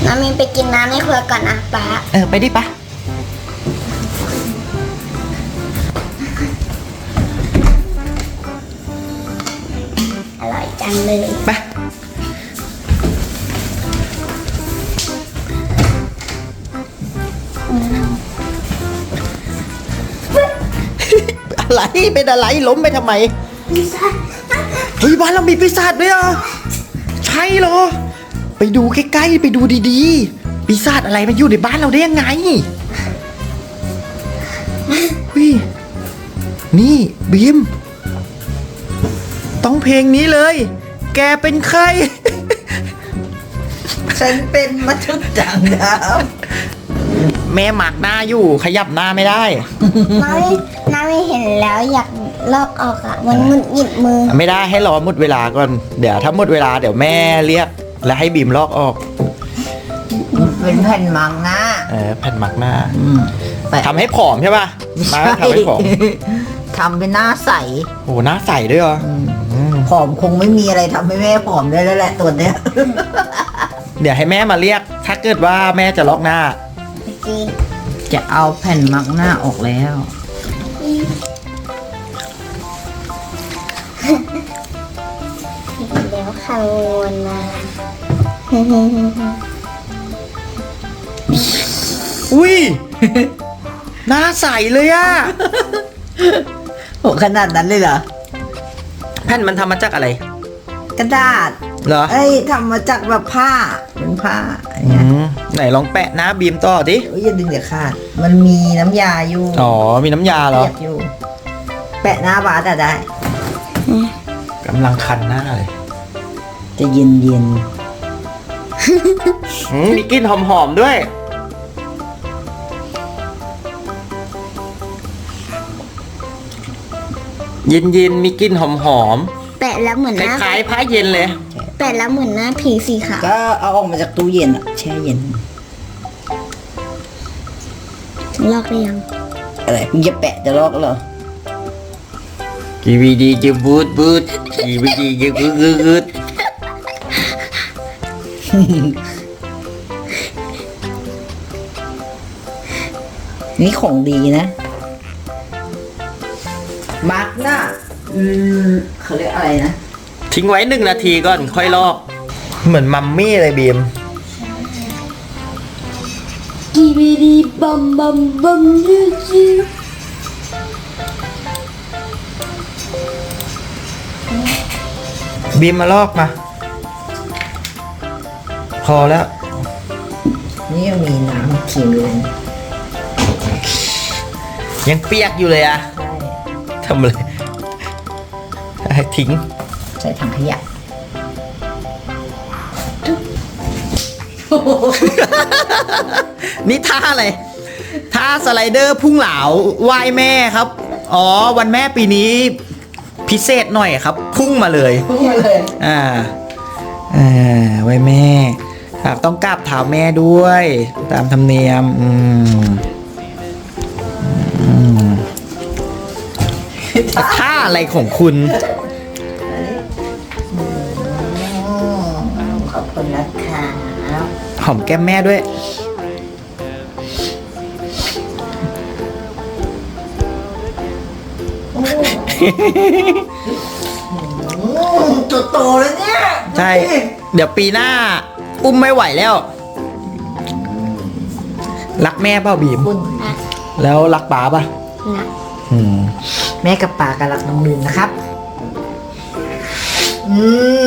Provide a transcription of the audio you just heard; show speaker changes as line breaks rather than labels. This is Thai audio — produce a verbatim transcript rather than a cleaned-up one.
น้ำมินไปกินน้ำในครัวก่อนนะป๊า
เออไปดิปะ
อร่อยจังเลย
ไปอะไรเป็นอะไรล้มไปทำไม
พิซซ่า
เฮ้ยบ้านเรามีปีศาจด้วยอ่ะใช่เหรอไปดูใกล้ๆไปดูดีๆปีศาจอะไรมันอยู่ในบ้านเราได้ยังไงเฮ้ยนี่บีมต้องเพลงนี้เลยแกเป็นใคร
ฉันเป็นมัทุจังดาว
แม่หมักหน้าอยู่ขยับหน้าไม่ได้
น้ำมินน้ำมินเห็นแล้วอยากลอกออกอ่ะมันมันหยิบมือ
ไม่ได้ให้รอหมดเวลาก่อนเดี๋ยวถ้าหมดเวลาเดี๋ยวแม่เรียกแล้วให้บีมลอกออก
เป็นแผ่นมังหน้า
เออแผ่นหมักหน้าทำให้ผอมใช่ป่ะมาทำให้ผอม
ทำเป็นหน้าใส
โอ้หน้าใสด้วยเหรอ
ผอมคงไม่มีอะไรทำให้แม่ผอมได้แล้วแหละตัวเนี้ย
เดี๋ยวให้แม่มาเรียกถ้าเกิดว่าแม่จะลอกหน้า
จะเอาแผ่นมักหน้าออกแล้ว
เดี๋ยวคำนวณมา
อุ้ยหน้าใสเลยอะ
โหขนาดนั้นเลยเหรอ
แผ่นมันทำมาจากอะไร
กระดาษ
เหรอ
เอ้ยทำมาจากแบบผ้าเป็นผ้า
ไหนลองแปะหน้าบีมต่อดิ
อย่าดึงเดี๋ยวขาดมันมีน้ำยาอยู่
อ๋อมีน้ำยาเหรอ
อยู่แปะหน้าบาสอะได้
กำลังคันหน้าเลย
จะเย็นเย็น
มีกลิ่นหอมๆด้วยเย็นๆมีกลิ่นหอม
ๆแปะแล้วเหมือนหน้า
คล้ายๆผ้าเย็นเลย
แปะแล้วเหมือนหน้าผีสีขาว
ก็เอาออกมาจากตู้เย็นอะแช่เย็น
ลอกได้ยัง
อะไรมึงจะแปะจะลอกเหรอ
กีวีดีจะบูดบูดกีวีดีจะบูดบูด
นี่ของดีนะมาร์กหน้าอืมเขาเรียกอะไรนะ
ทิ้งไว้หนึ่งนาทีก่อนค่อยลอกเหมือนมัมมี่เลยบีม
กีวีดีบัมบัมบัมยูจี
บีมมาลอกมาพอแล้ว
นี่ยังมีน้ำขิงอยู่
ยังเปียกอยู่เลยอะทำเลยให้ทิ้ง
ใส่ถังขยะ
นี่ท่าอะไรท่าสไลเดอร์พุ่งเหลาไหว้แม่ครับอ๋อวันแม่ปีนี้พิเศษหน่อยครับพุ่งมาเลย
พุ่งมาเลย
อ่าอ่าไหว้แม่ต้องกราบเท้าแม่ด้วยตามธรรมเนียมอืมอืมท่าอะไรของคุณ
ขอบคุณนะคะ
หอมแก้มแม่ด้วย
ตัวโตแล้วเนี่ย
ใช่เดี๋ยวปีหน้าอุ้มไม่ไหวแล้วรักแม่เปล่าบีมแล้วรักป๋าป่ะ
รัก
อืม
แม่กับป๋ากับรักน้องลืนนะครับอืม